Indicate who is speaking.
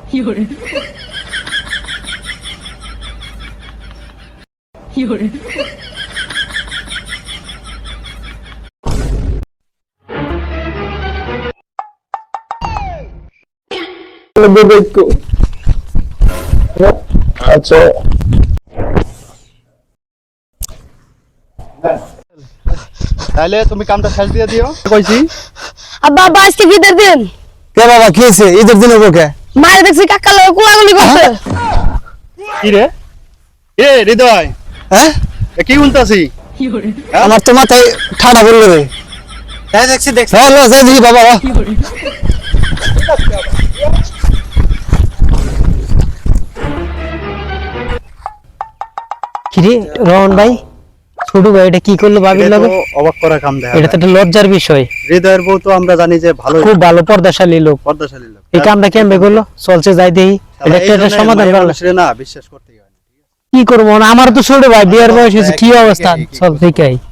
Speaker 1: আচ্ছা
Speaker 2: তাহলে তুমি কামটা শেষ দিয়ে দিও কইছি।
Speaker 3: আব্বা আব্বা আজকে কি ঈদের দিন?
Speaker 1: কে বাবা কি হয়েছে? ঈদের দিন হবো কে?
Speaker 3: মায়ের দেখছি কাকা লোক কোলাগুলি করতে।
Speaker 2: কি রে এ হৃদয়,
Speaker 1: হ্যাঁ
Speaker 2: কি উনতাছি?
Speaker 1: আমার তো মাথায় ঠাডা পড়লো রে।
Speaker 2: হ্যাঁ দেখছি দেখছি।
Speaker 1: হ্যালো যাই দেখি বাবা।
Speaker 4: কিরে রহন ভাই, ছোট ভাই এটা কি করলো বাবির লগে?
Speaker 2: অবাক করা কাম দেখা
Speaker 4: এটা তো একটা লজ্জার বিষয়।
Speaker 2: হৃদয়ের বউ তো আমরা জানি যে ভালো,
Speaker 4: খুব ভালো পর্দাশালী লোক,
Speaker 2: পর্দাশালী লোক।
Speaker 4: এই কামটা কেমনে করলো? চলছে যাই দেখি, এটা একটা সমাধান করলো।
Speaker 2: না বিশ্বাস করতে হয়
Speaker 4: কি করবো, আমার তো ছোট ভাই, বিয়ের বয়স হয়েছে, কি অবস্থা? চল ঠিক আছে।